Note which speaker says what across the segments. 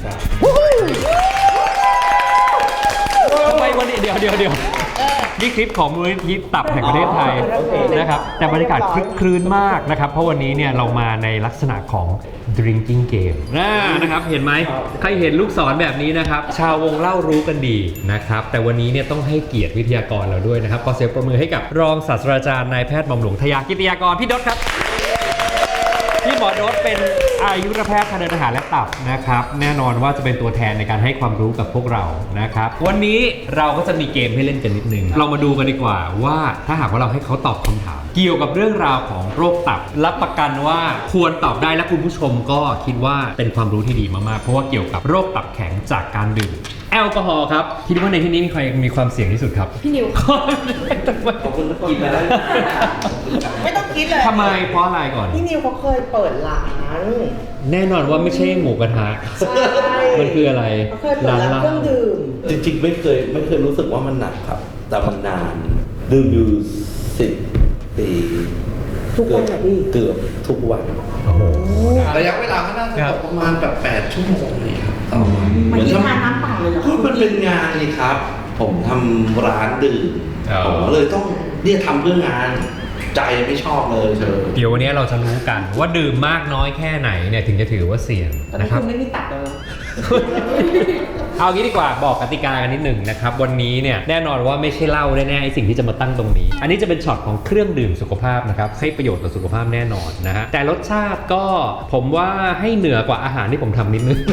Speaker 1: ทำไมวันนี้เดี๋ยวนี่คลิปของมูลนิธิตับแห่งประเทศไทยนะครับแต่บรรยากาศคลึกครื้นมากนะครับเพราะวันนี้เนี่ยเรามาในลักษณะของ drinking game นะครับเห็นไหมใครเห็นลูกศรแบบนี้นะครับชาววงเล่ารู้กันดีนะครับแต่วันนี้เนี่ยต้องให้เกียรติวิทยากรเราด้วยนะครับขอเสียงปรบมือให้กับรองศาสตราจารย์นายแพทย์หม่อมหลวงทยากิติยากรพี่ดศครับพี่หมอดศเป็นอายุรแพทย์ทางเดินอาหารและตับนะครับแน่นอนว่าจะเป็นตัวแทนในการให้ความรู้กับพวกเรานะครับวันนี้เราก็จะมีเกมให้เล่นกันนิดนึงเรามาดูกันดีกว่าว่าถ้าหากว่าเราให้เขาตอบคำถามเกี่ยวกับเรื่องราวของโรคตับรับประกันว่าควรตอบได้และคุณผู้ชมก็คิดว่าเป็นความรู้ที่ดีมากๆเพราะว่าเกี่ยวกับโรคตับแข็งจากการดื่มแอลกอฮอล์ครับคิดว่าในที่นี้มีใครมีความเสี่ยงที่สุดครับ
Speaker 2: พี่นิว
Speaker 3: ขอบคุณกินไปแล้ว
Speaker 2: ไม่ต้องคิดเลย
Speaker 1: ทำไมเพราะอะไรก่อน
Speaker 2: พี่นิวเขาเคยเปิดร้าน
Speaker 1: แน่นอนว่าไม่ใช่หมูกระทะมันคืออะไร
Speaker 2: เขาเคยเปิดร้านเครื่องดื่ม
Speaker 3: จริงๆไม่เคยรู้สึกว่ามันหนักครับแต่มันนานดื่มอยู่10 ปี
Speaker 2: ทุกวันไหนพี่
Speaker 3: เกือบทุกวันระยะเวลาก็น่าจะประมาณแบบ8 ชั่วโมงนี่ครับต่อวัน
Speaker 2: เหมือนทานน้ำเปล่าเลยเหรอ
Speaker 3: มันเป็นงานนี่ครับผมทำร้านดื่มผมเลยต้องทำเพื่องานใจไม่ชอบเลย
Speaker 1: เดี๋ยววันนี้เราจะรู้กันว่าดื่มมากน้อยแค่ไหนเนี่ยถึงจะถือว่าเสี่ยงนะครับ
Speaker 2: ไม่มีตัดเลย
Speaker 1: เอางี้ดีกว่าบอกกติกากันนิดหนึ่งนะครับวันนี้เนี่ยแน่นอนว่าไม่ใช่เหล้าแน่ๆไอ้สิ่งที่จะมาตั้งตรงนี้อันนี้จะเป็นช็อตของเครื่องดื่มสุขภาพนะครับให้ประโยชน์ต่อสุขภาพแน่นอนนะฮะแต่รสชาติก็ผมว่าให้เหนือกว่าอาหารที่ผมทำนิดนึง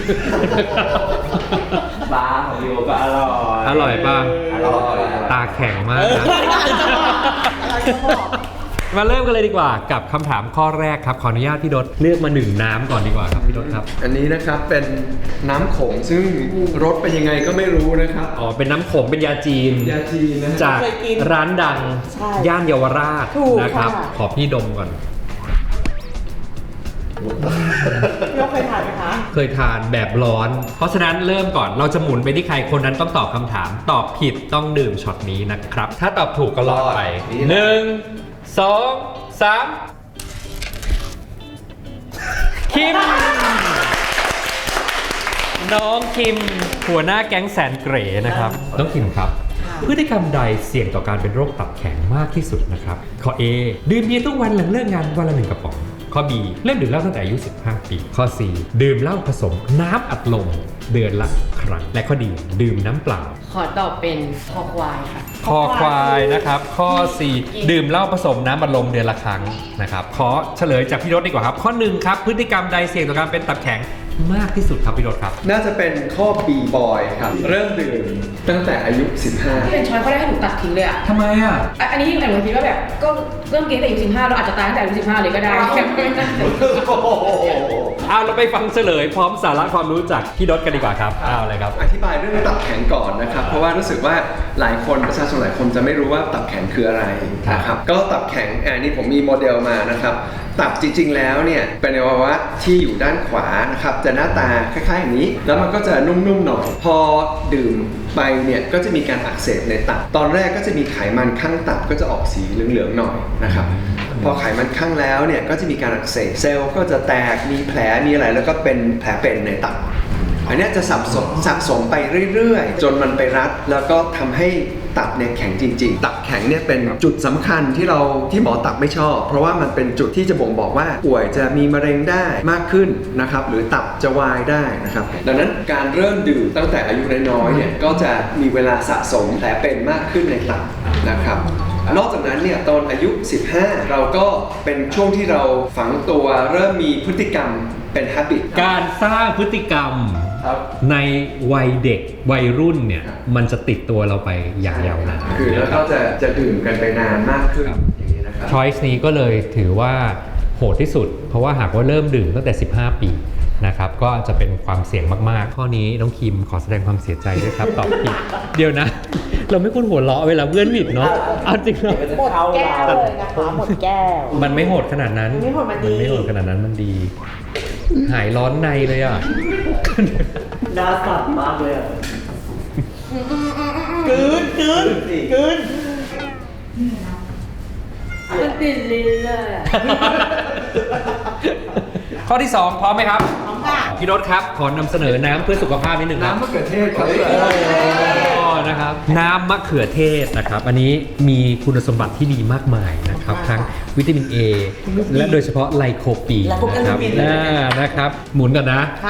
Speaker 3: ปลาของพี่โอก็อร่อย
Speaker 1: ป่ะตาแข็งมากนะมาเริ่มกันเลยดีกว่ากับคำถามข้อแรกครับขออนุญาตพี่ดศเลือกมา1น้ำก่อนดีกว่าครับพี่ดศครับ
Speaker 4: อันนี้นะครับเป็นน้ำขงซึ่งรสเป็นยังไงก็ไม่รู้นะครับ
Speaker 1: อ๋อเป็นน้ำขงเป็นยาจีน
Speaker 4: นะ
Speaker 1: จากร้านดังย่านเยาวราชนะครับขอพี่ดมก่อน
Speaker 2: เราเคยทานไหมคะ
Speaker 1: เคยทานแบบร้อนเพราะฉะนั้นเริ่มก่อนเราจะหมุนไปที่ใครคนนั้นต้องตอบคำถามตอบผิดต้องดื่มช็อตนี้นะครับถ้าตอบถูกก็รอดไป1 2 3คิมน้องคิมหัวหน้าแก๊งแสนเก๋นะครับน้องคิมครับพฤติกรรมใดเสี่ยงต่อการเป็นโรคตับแข็งมากที่สุดนะครับข้อ A ดื่มเบียร์ทุกวันหลังเลิกงานวันละ1 กระป๋องข้อ B เริ่มดื่มเหล้าตั้งแต่อายุ15 ปีข้อ C ดื่มเหล้าผสมน้ำอัดลมเดือนละครั้งและข้อ D ดื่มน้ำเปล่า
Speaker 5: ขอตอบเป็นคอควายค่ะ
Speaker 1: คอควายนะครับข้อ 4 ดื่มเหล้าผสมน้ำอัดลมเดือนละครั้งนะครับขอเฉลยจากพี่รถดีกว่าครับข้อ 1ครับพฤติกรรมใดเสี่ยงต่อการเป็นตับแข็งมากที่สุดครับพี่รถครับ
Speaker 4: น่าจะเป็นข้อ B boy ครับเริ่มดื่มตั้งแต่อายุ15
Speaker 5: ที่เป็นช้อยเขาได้ให้หนูตัดทิ้งเลยอะ
Speaker 1: ทำไมอะ
Speaker 5: อันนี้หนูคิดว่าแบบก็เริ่มกินตั้งแต่อายุ15เราอาจจะตายตั้งแต่อายุ15เลยก็ได้
Speaker 1: เอาเราไปฟังเฉลยพร้อมสาระความรู้จากพี่ดศกันดีกว่าครับเอาเลยครับ
Speaker 4: อธิบายเรื่องตับแข็งก่อนนะครับเพราะว่ารู้สึกว่าหลายคนประชาชนหลายคนจะไม่รู้ว่าตับแข็งคืออะไรนะครับก็ตับแข็งนี่ผมมีโมเดลมานะครับตับจริงๆแล้วเนี่ยเป็นอวัยวะที่อยู่ด้านขวานะครับจะหน้าตาคล้ายๆอย่างนี้แล้วมันก็จะนุ่มๆหน่อยพอดื่มไปเนี่ยก็จะมีการอักเสบในตับตอนแรกก็จะมีไขมันข้างตับก็จะออกสีเหลืองๆหน่อยนะครับพอไขมันข้างแล้วเนี่ยก็จะมีการอักเสบเซลล์ก็จะแตกมีแผลมีอะไรแล้วก็เป็นแผลเป็นในตับอันนี้จะสะสมไปเรื่อยๆจนมันไปรัดแล้วก็ทำให้ตับเนี่ยแข็งจริงๆตับแข็งเนี่ยเป็นจุดสำคัญที่หมอตับไม่ชอบเพราะว่ามันเป็นจุดที่จะบ่งบอกว่าป่วยจะมีมะเร็งได้มากขึ้นนะครับหรือตับจะวายได้นะครับดังนั้นการเริ่มดื่มตั้งแต่อายุน้อยๆเนี่ยก็จะมีเวลาสะสมแผลเป็นมากขึ้นในตับนะครับนอกจากนั้นเนี่ยตอนอายุ15เราก็เป็นช่วงที่เราฝังตัวเริ่มมีพฤติกรรมเป็น habit
Speaker 1: การสร้างพฤติกรรมในวัยเด็กวัยรุ่นเนี่ยมันจะติดตัวเราไปอย่างยาวนาน
Speaker 4: คือแล้วก็จะดื่มกันไปนานมากขึ้นอย่างนี้นะครับ
Speaker 1: choice นี้ก็เลยถือว่าโหดที่สุดเพราะว่าหากว่าเริ่มดื่มตั้งแต่15 ปีนะครับก็จะเป็นความเสี่ยงมากๆข้อนี้น้องคิมขอแสดงความเสียใจด้วยครับตอบผิดเดี๋ยวนะเราไม่ควรหัวเราะเวลาเพื่อนผิดเนาะเอาจริงเนาะ
Speaker 2: หมดแก้วเลยนะคะหมดแก้ว
Speaker 1: มันไม่โหดขนาดนั้น
Speaker 2: มันไม่โหด
Speaker 1: ขนาดนั้นมันดีหายร้อนในเลยอ่ะ
Speaker 3: น่าสั่นมากเลยอ่ะ
Speaker 2: กลืน
Speaker 5: มันติดลิ้นเลย
Speaker 1: ข้อที่2พร้อมไหมครับ
Speaker 2: พร้อมค่ะ
Speaker 1: พี่รถครับขอนำเสนอน้ำเพื่อสุขภาพนิดนึงครับ
Speaker 4: น้ำมะเขือเทศครับ
Speaker 1: นะครับน้ำมะเขือเทศนะครับอันนี้มีคุณสมบัติที่ดีมากมายนะครับทั้งวิตามิน A และโดยเฉพาะไลโคปีนนะครับนะครับหมุนกันนะ
Speaker 2: ค่ะ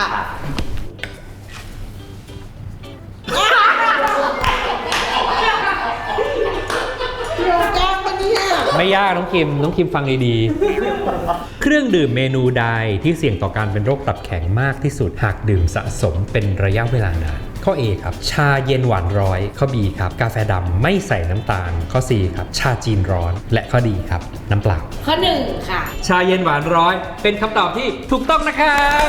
Speaker 2: เราแก้ปะเนี่ย
Speaker 1: ไม่ยากน้องคิมฟังดีๆ เครื่องดื่มเมนูใดที่เสี่ยงต่อการเป็นโรคตับแข็งมากที่สุดหากดื่มสะสมเป็นระยะเวลานานข้อ A ครับชาเย็นหวานร้อยข้อ B ครับกาแฟดำไม่ใส่น้ำตาลข้อ C ครับชาจีนร้อนและข้อ D ครับน้ำเปล่า
Speaker 5: ข้อ1ค่ะ
Speaker 1: ชาเย็นหวานร้อยเป็นคำตอบที่ถูกต้องนะครับ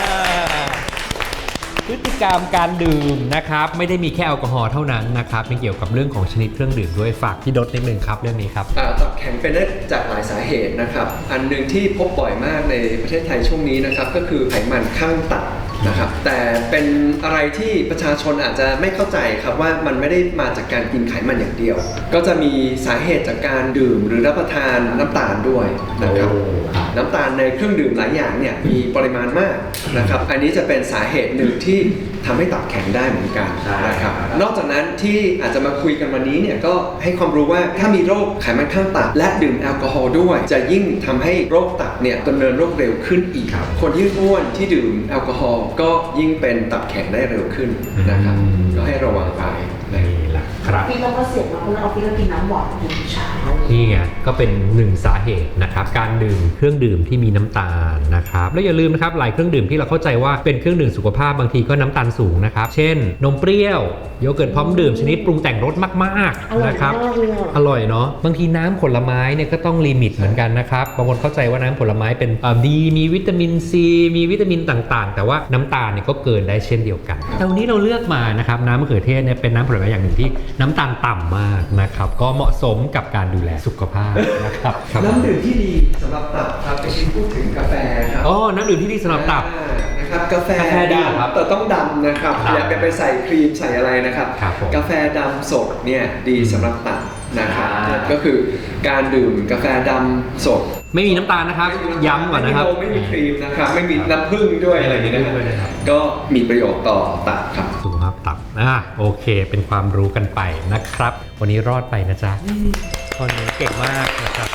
Speaker 1: พฤติกรรมการดื่มนะครับไม่ได้มีแค่แอลกอฮอล์เท่านั้นนะครับยังเกี่ยวกับเรื่องของชนิดเครื่องดื่มด้วยฝากพี่ดดนิดนึงครับเรื่องนี้ครับ
Speaker 4: ตับแข็งเป็นได้จากหลายสาเหตุนะครับอันหนึ่งที่พบบ่อยมากในประเทศไทยช่วงนี้นะครับก็คือไขมันข้างตับนะครับแต่เป็นอะไรที่ประชาชนอาจจะไม่เข้าใจครับว่ามันไม่ได้มาจากการกินไขมันอย่างเดียว ก็จะมีสาเหตุจากการดื่มหรือรับประทานน้ำตาลด้วยนะครับ น้ำตาลในเครื่องดื่มหลายอย่างเนี่ยมีปริมาณมากนะครับอันนี้จะเป็นสาเหตุหนึ่งที่ทำให้ตับแข็งได้เหมือนกันนะครับนอกจากนั้นที่อาจจะมาคุยกันวันนี้เนี่ยก็ให้ความรู้ว่าถ้ามีโรคไขมันข้างตับและดื่มแอลกอฮอล์ด้วยจะยิ่งทำให้โรคตับเนี่ยดำเนินโรคเร็วขึ้นอีกคนที่อ้วนที่ดื่มแอลกอฮอล์ก็ยิ่งเป็นตับแข็งได้เร็วขึ้นนะครับก็ให้ระวังไปนะ
Speaker 1: นี่แหละครับ
Speaker 2: พี่เราก็เสียงมาเพราะเราพี่เรากินน้ำหวานกินชา
Speaker 1: นี่ไงก็เป็นหนึ่งสาเหตุนะครับการดื่มเครื่องดื่มที่มีน้ำตาลนะครับแล้วอย่าลืมนะครับหลายเครื่องดื่มที่เราเข้าใจว่าเป็นเครื่องดื่มสุขภาพบางทีก็น้ำตาลสูงนะครับเช่นนมเปรี้ยวโยเกิร์ตพร้อมดื่มชนิดปรุงแต่งรสมากๆนะครับอร่อยเนาะบางทีน้ำผลไม้เนี่ยก็ต้องลิมิตเหมือนกันนะครับบางคนเข้าใจว่าน้ำผลไม้เป็นดีมีวิตามินซีมีวิตามินต่างๆ แต่ว่าน้ำตาลเนี่ยก็เกินได้เช่นเดียวกันแต่วันนี้เราเลือกมานะครับน้ำมะเขือเทศเนี่ยเป็นน้ำผลไม้อย่างหนึ่งที่น้ำตาลต่ำมากนะครับก็เหมาะสมกับการดูแลสุขภาพนะครับ
Speaker 4: น้ำดื่มที่ดีสำหรับตับครับไปพูดถึงกาแฟครับ
Speaker 1: อ๋อน้ำดื่มที่ดีสำหรับตับ
Speaker 4: นะครับกาแฟ
Speaker 1: กาแฟดีเหรอครับ
Speaker 4: แต่ต้องดำนะครับ
Speaker 1: ดำ
Speaker 4: อย่าไปใส่ครีมใส่อะไรนะครับ
Speaker 1: ครับผม
Speaker 4: กาแฟดำสดเนี่ยดีสำหรับตับนะครับ
Speaker 1: อ่า
Speaker 4: ก็คือการดื่มกาแฟดำสด
Speaker 1: ไม่มีน้ำตาลนะครับย้ำก่อนนะครับ
Speaker 4: ไม่มีครีมนะครับไม่มีน้ำผึ้งด้วยอะไรอย่างนี้
Speaker 1: ไม่มีด้วยนะครับ
Speaker 4: ก็มีประโยชน์ต่อตับครับ
Speaker 1: สุขภาพตับโอเคเป็นความรู้กันไปนะครับ วันนี้รอดไปนะจ๊ะคนนี้เก่งมากนะครับ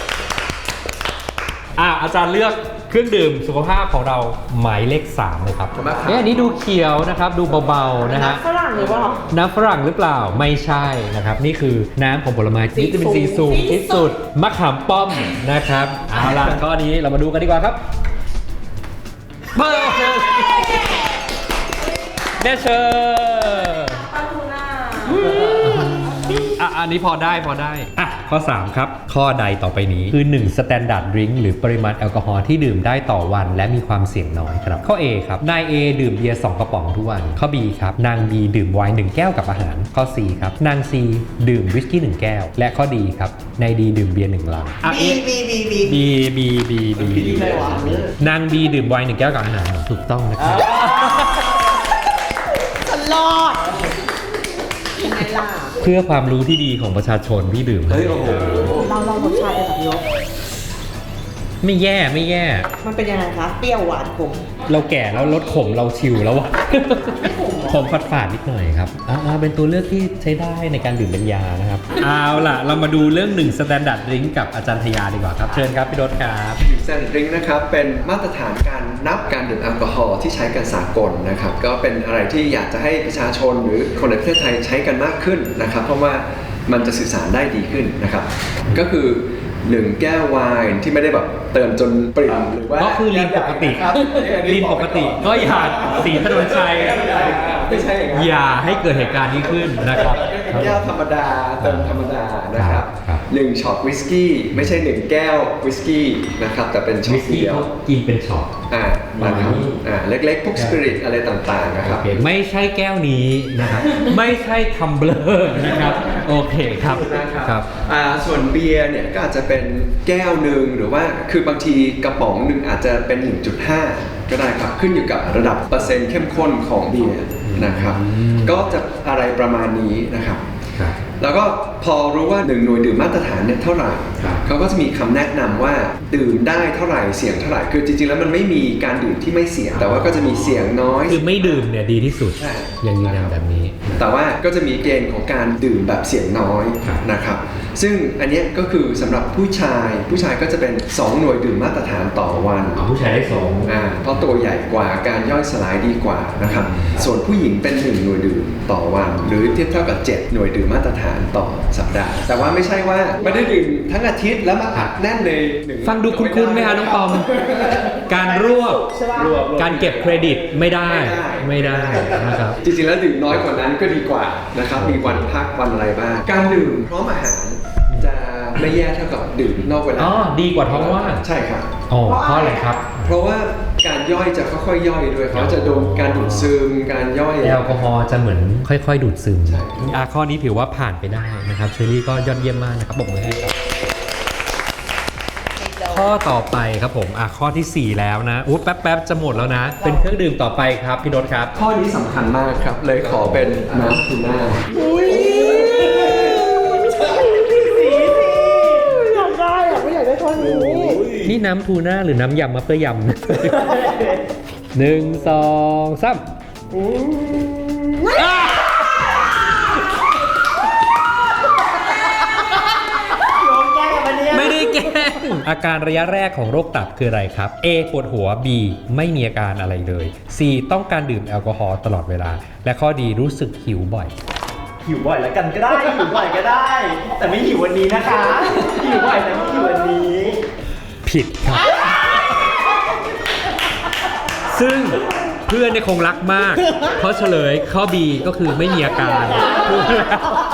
Speaker 1: อาจารย์เลือกเครื่องดื่มสุขภาพของเราหมายเลข3เลยครับ
Speaker 4: ขอบคุณมากครับ
Speaker 1: อันนี้ดูเขียวนะครับดูเบาๆนะฮะ
Speaker 2: ฝรั่งหรือเปล่า
Speaker 1: น้ำฝรั่งหรือเปล่าไม่ใช่นะครับนี่คือน้ำของผลไม้วิตามินซีสูงที่สุดมะขามป้อมนะครับเอาล่ะข้อนี้เรามาดูกันดีกว่าครับเบอร์เนเชอร์อันนี้พอได้ข้อ 3 ครับ ข้อใดต่อไปนี้คือ1 Standard Drink หรือปริมาณแอลกอฮอล์ที่ดื่มได้ต่อวันและมีความเสี่ยงน้อยครับข้อ A ครับนาย A ดื่มเบียร์2กระป๋องทุกวันข้อ B ครับนาง B ดื่มไวน์1แก้วกับอาหารข้อ C ครับนาง C ดื่มวิสกี้1แก้วและข้อ D ครับนาย D ดื่มเบียร์1ลังB นาง B ดื่มไวน์1แก้วกับอาหารถูกต้องนะครับ
Speaker 2: ตลอดยังไงล่ะ
Speaker 1: เพื่อความรู้ที่ดีของประชาชนที่ดื่ม
Speaker 3: เฮ้ยโอ้โห
Speaker 2: เรารสชาติเป็นแบบยก
Speaker 1: ไม่แย่
Speaker 2: มันเป็นยังไงคะ เปรี้ยวหวานขม
Speaker 1: เราแก่แล้วลดขมเราชิวแล้วอะ ขมฝาดๆนิดหน่อยครับเป็นตัวเลือกที่ใช้ได้ในการดื่มเป็นยานะครับเอาล่ะเรามาดูเรื่อง1 Standard Drink กับอาจารย์ทยาดีกว่าครับเชิญครับพี่ดศครับ
Speaker 4: Standard Drink นะครับเป็นมาตรฐานการนับการดื่มแอลกอฮอล์ที่ใช้กันสากลนะครับก็เป็นอะไรที่อยากจะให้ประชาชนหรือคนในประเทศไทยใช้กันมากขึ้นนะครับเพราะว่ามันจะสื่อสารได้ดีขึ้นนะครับก็คือ1แก้วไวน์ที่ไม่ได้แบบเติมจนปริ่มหรือว่า
Speaker 1: ก็คือลีนปกติ
Speaker 4: ครับ
Speaker 1: ลีนปกติก็อย่าสีถนนชัย
Speaker 4: ไม่ใช่อย่างนั้น
Speaker 1: อย่าให้เกิดเหตุการณ์นี้ขึ้นนะครับ
Speaker 4: แก้วธรรมดาเติมธรรมดานะครับ
Speaker 1: ครับ
Speaker 4: 1ช็อตวิสกี้ไม่ใช่1แก้ววิสกี้นะครับแต่เป็นช็อ
Speaker 1: วิ
Speaker 4: ต
Speaker 1: สกี้
Speaker 4: เดียว
Speaker 1: เขากินเป็นช็อต
Speaker 4: นะครับเล็กๆพวกสปิริตอะไรต่างๆนะครับ
Speaker 1: โอเคไม่ใช่แก้วนี้นะครับ ไม่ใช่ทัมเบลอร์นะครับโอเคครับ
Speaker 4: นะครับส่วนเบียร์เนี่ยก็อาจจะเป็นแก้วหนึ่งหรือว่าคือบางทีกระป๋องหนึ่งอาจจะเป็น 1.5 ก็ได้ครับขึ้นอยู่กับระดับเปอร์เซ็นต์เข้มข้นของเบียร์นะครับก็จะอะไรประมาณนี้นะครับแล้วก็พอรู้ว่า1หน่วยดื่มมาตรฐานเนี่ยเท่าไหร่เขาก็จะมีคำแนะนำว่าดื่มได้เท่าไหร่เสี่ยงเท่าไหร่คือจริงๆแล้วมันไม่มีการดื่มที่ไม่เสี่ยงแต่ว่าก็จะมีเสี่ยงน้อย
Speaker 1: คือไม่ดื่มเนี่ยดีที่สุด
Speaker 4: ใช่
Speaker 1: ยังยืนยันแบบนี้
Speaker 4: แต่ว่าก็จะมีเกณฑ์ของการดื่มแบบเสี่ยงน้อยนะครับซึ่งอันเนี้ยก็คือสำหรับผู้ชายก็จะเป็น2หน่วยดื่มมาตรฐานต่อวัน
Speaker 1: ผู้ชายได้สอง
Speaker 4: เพราะตัวใหญ่กว่าการย่อยสลายดีกว่านะครับส่วนผู้หญิงเป็น1หน่วยดื่มต่อวัน หรือเทียบเท่ากับ7หน่วยดื่มมาตรฐานต่อสัปดาห์แต่ว่าไม่ใช่ว่าไม่ได้ดื่มทั้งอาทิตย์แล้วมาอัดแน่นใน1
Speaker 1: ฟังดูคุ้นๆไหมคะน้องปอม การรวบการเก็บเครดิตไม่ได้นะครับ
Speaker 4: จริงๆแล้วดื่มน้อยกว่านั้นก็ดีกว่านะครับมีวันพักวันอะไรบ้างการดื่มพร้อมอาหารจะไม่แย่เท่ากับดื่มนอกเวลา
Speaker 1: อ๋อดีกว่าท้องว่าง
Speaker 4: ใช่ครับ
Speaker 1: อ๋อเพราะอะไรครับ
Speaker 4: เพราะว่าการย่อยจะค่อยๆย่อยด้วยเขาจะโดนการดูดซึมการย่อย
Speaker 1: แอลกอฮอล์จะเหมือนค่อยๆ ดูดซึม
Speaker 4: ใช่
Speaker 1: ข้อนี้ถือว่าผ่านไปได้นะครับเชอรี่ก็ยอดเยี่ยมมากนะครับปรบมือให้ครับข้อต่อไปครับผมข้อที่ 4 แล้วนะแป๊บๆจะหมดแล้วนะ เป็นเครื่องดื่มต่อไปครับพี่โดดครับ
Speaker 4: ข้อนี้สำคัญมากครับเลยขอเป็นน้ำทูน่า
Speaker 2: อยากได้อะไม่อยากได้ข้อนี้
Speaker 1: นี่น้ำทูน่าหรือน้ำยำมะเขือยำ 1 2 3 ไม่ได้แกล้งอาการระยะแรกของโรคตับคืออะไรครับ A ปวดหัว B ไม่มีอาการอะไรเลย C ต้องการดื่มแอลกอฮอล์ตลอดเวลา และข้อ D รู้สึกหิวบ่อย
Speaker 6: หิวบ่อยแล้วกันก็ได้ หิวบ่อยก็ได้ แต่ไม่หิววันนี้นะคะ หิวบ่อยแต่ไม่หิววันนี้
Speaker 1: ผิดครับ ซึ่งเพื่อนเนี่ยคงรักมาก เพราะเฉลยข้อ B ก็คือไม่มีอาการรู้แล้ว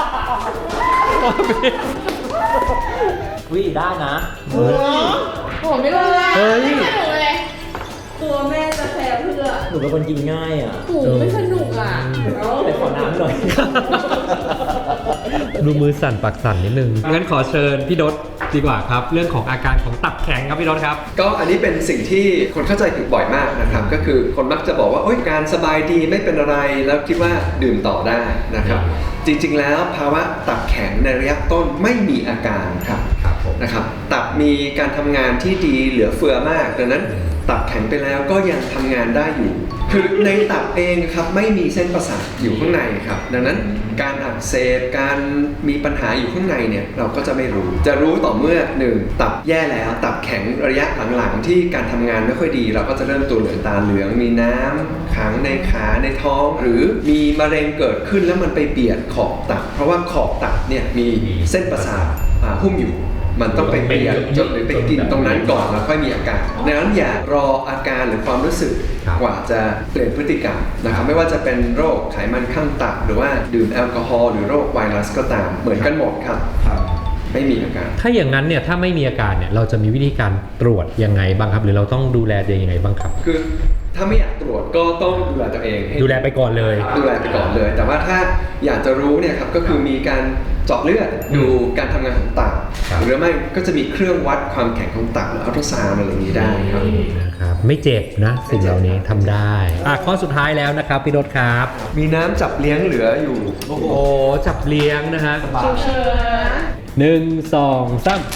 Speaker 6: วิได้นะ
Speaker 5: ผมไม่รู้เลย
Speaker 1: เฮ้ย
Speaker 5: ไม่สนุกเลย
Speaker 2: ตัวแม่จะแพ้เพื่อ
Speaker 6: หนูเป็นคนกินง่ายอ่ะ
Speaker 5: โอ้โหไม่สนุกอ่ะ
Speaker 6: แต่ขอน้ำหน่อย
Speaker 1: ดูมือสั่นปากสั่นนิดนึง งั้นขอเชิญพี่ดศดีกว่าครับ เรื่องของอาการของตับแข็งครับพี่ดศครับ
Speaker 4: ก็อันนี้เป็นสิ่งที่คนเข้าใจผิดบ่อยมากนะครับก็คือคนมักจะบอกว่าโอ๊ยการสบายดีไม่เป็นอะไรแล้วคิดว่าดื่มต่อได้นะครับจริงๆแล้วภาวะตับแข็งในระยะต้นไม่มีอาการครับนะครับตับมีการทำงานที่ดีเหลือเฟือมากดังนั้นตับแข็งไปแล้วก็ยังทำงานได้อยู่คือในตับเองครับไม่มีเส้นประสาทอยู่ข้างในครับดังนั้นการอักเสบการมีปัญหาอยู่ข้างในเนี่ยเราก็จะไม่รู้จะรู้ต่อเมื่อ1ตับแย่แล้วตับแข็งระยะหลังๆที่การทำงานไม่ค่อยดีเราก็จะเริ่มตัวเหลืองตาเหลืองมีน้ำขังในขาในท้อง หรือมีมะเร็งเกิดขึ้นแล้วมันไปเบียดขอบตับเพราะว่าขอบตับเนี่ยมีเส้นประสาทหุ้มอยู่มันต้องไปเบียดจนหรือไปกินตรงนั้นก่อนแล้วค่อยมีอาการดังนั้นอย่ารออาการหรือความรู้สึกกว่าจะเปลี่ยนพฤติกรรมนะครับไม่ว่าจะเป็นโรคไขมันข้างตับหรือว่าดื่มแอลกอฮอล์หรือโรคไวรัสก็ตามเหมือนกันหมดครับไม่มีอาการ
Speaker 1: ถ้าอย่างนั้นเนี่ยถ้าไม่มีอาการเนี่ยเราจะมีวิธีการตรวจยังไงบ้างครับ หรือเราต้องดูแลตัวเองยังไงบ้างครับ
Speaker 4: คือถ้าไม่อยากตรวจก็ต้องดูแลตัวเองให้
Speaker 1: ดูแลไปก่อนเลย
Speaker 4: ดูแลไปก่อนเลย แต่ว่าถ้าอยากจะรู้เนี่ยครับก็คือมีการเจาะเลือดดูการทำงานของตับ
Speaker 1: ครับ
Speaker 4: หรือไม่ก็จะมีเครื่องวัดความแข็งของตับหรืออัลตราซาวด์อะไรอย่างนี้ได้ครับ
Speaker 1: นะครับไม่เจ็บนะสิ่งเหล่านี้ทำได้ข้อสุดท้ายแล้วนะครับพี่ดศครับ
Speaker 4: มีน้ำจับเลี้ยงเหลืออยู่
Speaker 1: โอ้โหจับเลี้ยงนะฮะ 1 2 3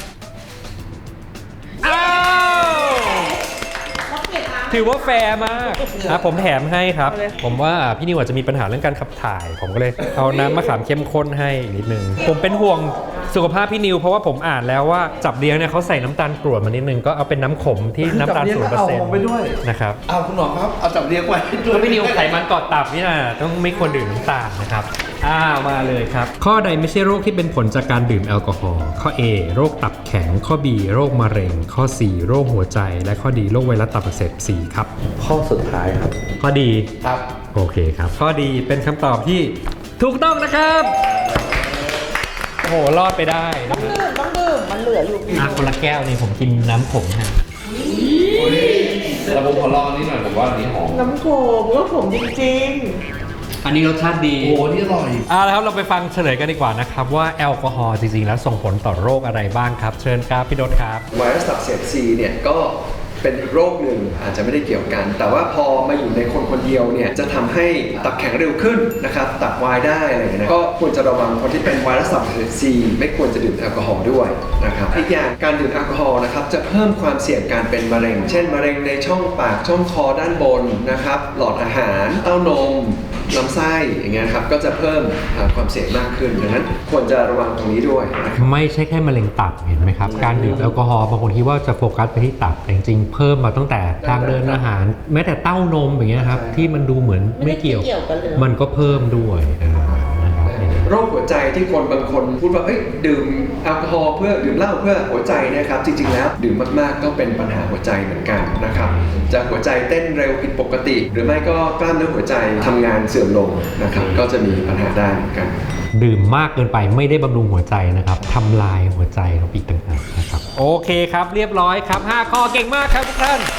Speaker 1: อ้าวถือว่าแฟร์มากผมแถมให้ครับ ผมว่าพี่นิวอาจจะมีปัญหาเรื่องการขับถ่าย ผมก็เลยเอาน้ำมะขามเข้มข้นให้อีกนิดนึง ผมเป็นห่วงสุขภาพพี่นิวเพราะว่าผมอ่านแล้วว่าจับเลี้ยงเนี่ยเขาใส่น้ำตาลกรวดมานิดนึงก็เอาเป็นน้ำขมที่น้ำตาล 0%
Speaker 3: ไปด้วย
Speaker 1: นะครับ
Speaker 3: เอาคุณหมอครับเอาจับเลี้ยงไว้ด้ว
Speaker 1: ก็
Speaker 3: ย
Speaker 1: พี่นิวไขมันเกาะตับนี่นะต้องไม่ควรดื่มน้ำตาลนะครับมาเลยครับ ข้อใดไม่ใช่โรคที่เป็นผลจากการดื่มแอลกอฮอล์ข้อ A โรคตับแข็งข้อ B โรคมะเร็งข้อ C โรคหัวใจและข้อ D โรคไวรัสตับอักเสบ C ครับ
Speaker 3: ข้อสุดท้ายครับ
Speaker 1: ข้อ D
Speaker 3: ครับ
Speaker 1: โอเคครับ ข้อ D เป็นคำตอบที่ถูกต้องนะครับโอ้โหรอดไปได้นะค
Speaker 2: ดื่
Speaker 1: รับ
Speaker 2: มต้องดื่มมันเหลืออยู่
Speaker 1: คนละแก้วนี่ผมกินน้ำขมฮะ
Speaker 3: แล้วผมขอลองอันนี้หน่อยผมว่าอันนี้หอม
Speaker 2: น้ำโขมก็ผมจริง
Speaker 1: อันนี้รสชาติดี
Speaker 3: โอ้โหนี่อร่อย
Speaker 1: แล้วครับเราไปฟังเฉลยกันดีกว่านะครับว่าแอลกอฮอล์จริงๆแล้วส่งผลต่อโรคอะไรบ้างครับ เชิญครับพี่ดศครับ
Speaker 4: ไวรัสตับอักเสบ C เนี่ยก็เป็นอีกโรคหนึ่งอาจจะไม่ได้เกี่ยวกัน แต่ว่าพอมาอยู่ในคนคนเดียวเนี่ยจะทำให้ตับแข็งเร็วขึ้นนะครับตับวายได้อะไรอย่างเงี้ยนะก็ควรจะระวังคนที่เป็นไวรัสตับอักเสบซีไม่ควรจะดื่มแอลกอฮอล์ด้วยนะครับอีกอย่างการดื่มแอลกอฮอล์นะครับจะเพิ่มความเสี่ยงการเป็นมะเร็งเช่นมะเร็งในช่องปากช่องคอด้านบนนะครับหลอดอาหารเต้านมลำไส้อย่างเงี้ยครับก็จะเพิ่มความเสี่ยงมากขึ้นดังนั้นควรจะระวังตรงนี้ด้วยนะครับ
Speaker 1: ไม่ใช่แค่มะเร็งตับเห็นไหมครับการดื่มแอลกอฮอล์บางคนคิดว่าจะโฟกัสไปที่ตับแต่จริงๆเพิ่มมาตั้งแต่ทางเดินอาหารแม้แต่เต้านมอย่างเงี้ยครับที่มันดูเหมือนไม่เกี่ยว
Speaker 2: กันเลย
Speaker 1: มันก็เพิ่มด้วยนะครับ
Speaker 4: โรคหัวใจที่คนบางคนพูดว่าเอ้ยดื่มแอลกอฮอล์เพื่อดื่มเหล้าเพื่อหัวใจนะครับจริงๆแล้วดื่มมากๆก็เป็นปัญหาหัวใจเหมือนกันนะครับจะหัวใจเต้นเร็วผิดปกติ หรือไม่ก็กล้ามเนื้อหัวใจทำงานเสื่อมลงนะครับก็จะมีปัญหาได้เหมือนกัน
Speaker 1: ดื่มมากเกินไปไม่ได้บำรุงหัวใจนะครับทำลายหัวใจเราอีกต่างหากนะครับโอเคครับเรียบร้อยครับ5ข้อเก่งมากครับทุกท่าน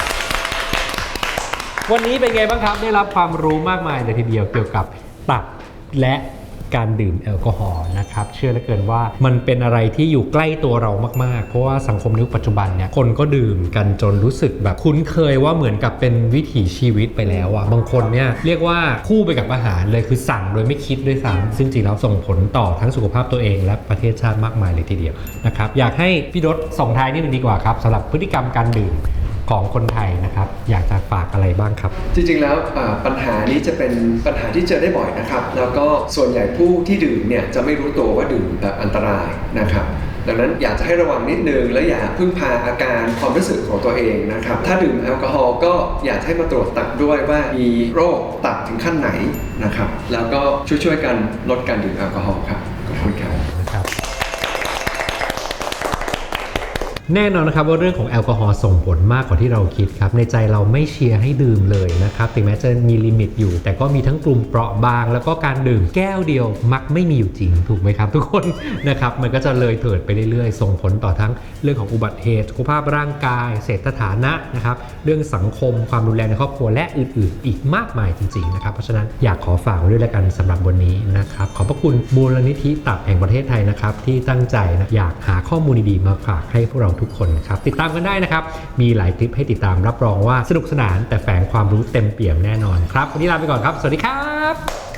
Speaker 1: วันนี้เป็นไงบ้างครับได้รับความรู้มากมายเลยทีเดียวเกี่ยวกับตับและการดื่มแอลกอฮอล์นะครับเชื่อเหลือเกินว่ามันเป็นอะไรที่อยู่ใกล้ตัวเรามากๆเพราะว่าสังคมยุคปัจจุบันเนี่ยคนก็ดื่มกันจนรู้สึกแบบคุ้นเคยว่าเหมือนกับเป็นวิถีชีวิตไปแล้วอ่ะบางคนเนี่ยเรียกว่าคู่ไปกับอาหารเลยคือสั่งโดยไม่คิดด้วยซ้ำซึ่งจริงแล้วส่งผลต่อทั้งสุขภาพตัวเองและประเทศชาติมากมายเลยทีเดียวนะครับอยากให้พี่รถส่งท้ายนิดนึงดีกว่าครับสำหรับพฤติกรรมการดื่มของคนไทยนะครับอยากจะฝากอะไรบ้างครับ
Speaker 4: จริงๆแล้วปัญหานี้จะเป็นปัญหาที่เจอได้บ่อยนะครับแล้วก็ส่วนใหญ่ผู้ที่ดื่มเนี่ยจะไม่รู้ตัวว่าดื่มแบบอันตรายนะครับดังนั้นอยากจะให้ระวังนิดนึงและอย่าพึ่งพาอาการความรู้สึกของตัวเองนะครับถ้าดื่มแอลกอฮอล์ก็อยากให้มาตรวจตับด้วยว่ามีโรคตับถึงขั้นไหนนะครับแล้วก็ช่วยๆกันลดการดื่มแอลกอฮอล์ครับขอบคุณครับ
Speaker 1: นะครับแน่นอนนะครับว่าเรื่องของแอลกอฮอล์ส่งผลมากกว่าที่เราคิดครับในใจเราไม่เชียร์ให้ดื่มเลยนะครับถึงแม้จะมีลิมิตอยู่แต่ก็มีทั้งกลุ่มเปราะบางแล้วก็การดื่มแก้วเดียวมักไม่มีอยู่จริงถูกไหมครับทุกคนนะครับมันก็จะเลยเถิดไปเรื่อยๆส่งผลต่อทั้งเรื่องของอุบัติเหตุสุขภาพร่างกายเศรษฐฐานะนะครับเรื่องสังคมความรุนแรงในครอบครัวและอื่นๆอีกมากมายจริงๆนะครับเพราะฉะนั้นอยากขอฝากไว้ด้วยแล้วกันสำหรับวันนี้นะครับขอบพระคุณมูลนิธิตับแห่งประเทศไทยนะครับที่ตั้งใจนะอยากหาข้อมูลดีๆมาฝากให้พวกเราทุกคนครับติดตามกันได้นะครับมีหลายคลิปให้ติดตามรับรองว่าสนุกสนานแต่แฝงความรู้เต็มเปี่ยมแน่นอนครับวันนี้ลาไปก่อนครับสวัสดีครับ